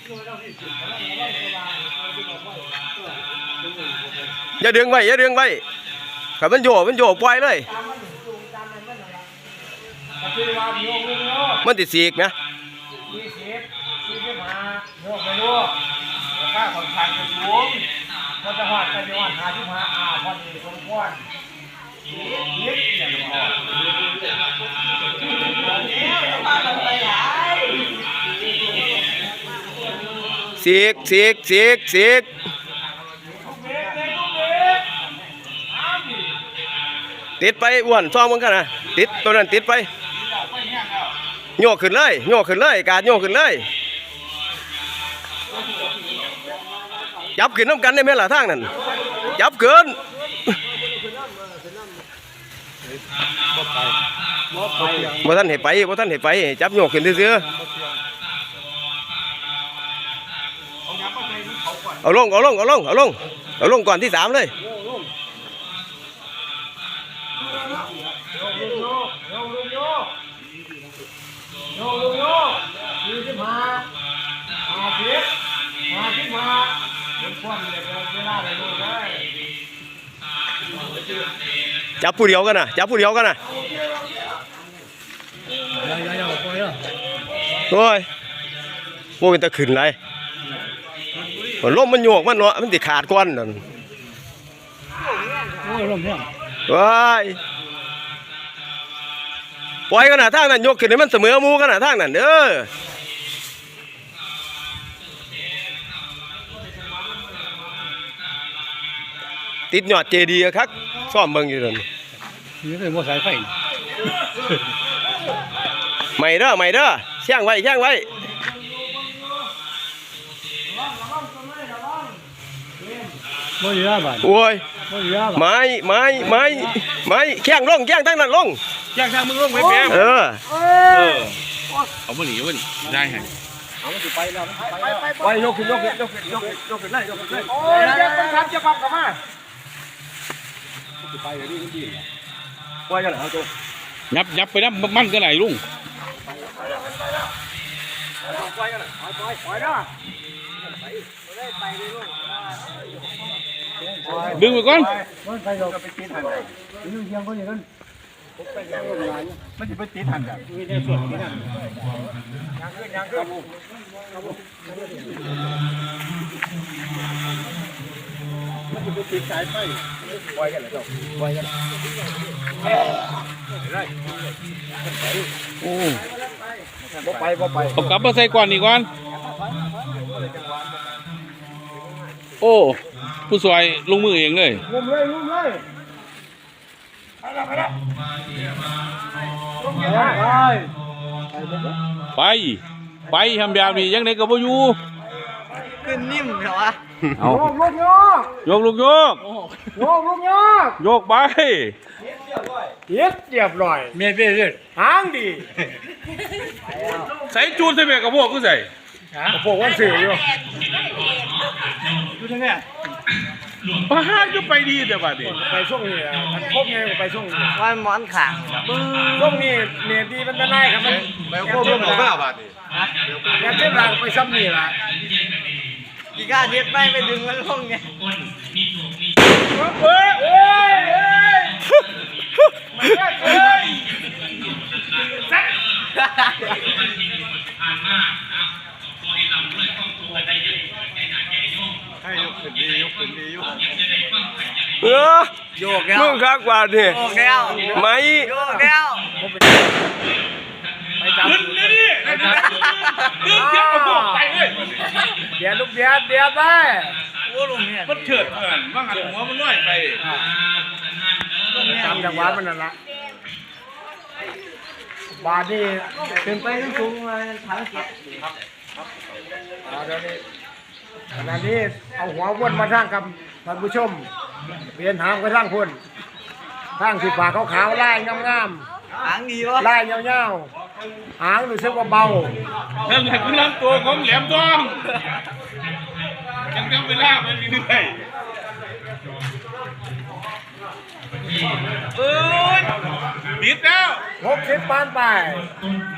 อย่าดึงไว้อย่าดึงไว้ขับมันโยปล่อยเลยมันติดสีกนะค่าของทางจะสูงมันจะหอดไปหอดหาที่มาพอดีสมควรยิบอย่างนี้สีกติดไปอ้วนซ่อมมันกันนะติดตัวนั้นติดไปโยกขึ้นเลยการโยกขึ้นเลยจับขึ้นน้ำกันได้ไหมล่ะทางนั้นจับเกินบ่ท่านเห็นไปจับโยกขึ้นเสื้อเอาลงก่อนที่3เลยจับผู้เดียวกันนะโอ้ยโว้ยตะขึ้นเลยลมมันโยกมันเนาะมันติขาดก้อนนั่นว้ายปล่อยกันนะทางนั้นยกขึ้นให้มันเสมอมูกันนะทางนั้นเด้อติดหยอดเจดีย์ครับซ่อมเบิ่งอยู่นั่นนี่เป็นมอสายไฟไม่เด้อแช่งไว้ไม่เยอะบ้านโอ้ยไม้แข้งตั้งนั้นลงแข้งมึงลงไปแม่เอามาหนีได้ไงไปยกขึ้นเลยโอ้ยจะปั๊บกลับมาไปเลยดีปล่อยกันเหรอโจยับไปนะมันก็ไหนลุงปล่อยกันปล่อยนะดึงไปก่อนมันไปเราไปตีทันเลยดึงเชียงก็อย่างนั้นมันจะไปตีทันแบบมีแต่ส่วนที่นั่นยังขึ้นมันจะไปตีสายไฟปล่อยกันเลยปล่อยกันโอ้บ่ไปเอากลับมาใส่ก่อนอีกก่อนโอ้ผู้สวยลงมือเองเลยงุมเลยไปทำแบบนี้ยังไงก็บ่อยู่ขึ้นนิ่มเหรอวะยกไปเรียบร้อยเมียเบี้ยหางดีใส่จูนใส่เมียกับพวกกูใส่พวกวันสื่ออยู่ทั้งนี้บ้านก็ไปดีแต่บ้านนี้ไปช่วงนี้มันครบไงไปช่วงนี้วันหมอนขังช่วงนี้เนี่ยดีมันจะได้ครับมันไปโค้งร่วมของข้าวบ้านนี้อยากเจ็บหลังไปซ้ำนี่ละกีก้าเด็ดไปดึงมันลงไงยกขึ้นดีโยกแล้วมึงคักกว่าดิโยกแล้วไม่โยกแล้วไปจับขึ้นเลยดิขึ้นเทียบกับพวกไปเลยเดี๋ยวลูกเดี๋ยวไปโอ้ลุงเนี่ยมันเฉิดเกินว่างันหัวมันน้อยไปตามจังหวะมันนั่นละบาดนี่เป็นไปทั้งสูงมาทั้งเก็บขณะนี้เอาหัววนมาทางกับท่านผู้ชมเปลี่ยนหางไปทางพุ่นทางสีฟ้าขาวๆไล่งามหางดีวะไล่ยาวๆหางรู้สึกว่าเบานั่นแหละคือลำตัวของแหลมทองยังเวลามันมีด้วยบิดแล้ว 60 ปานไป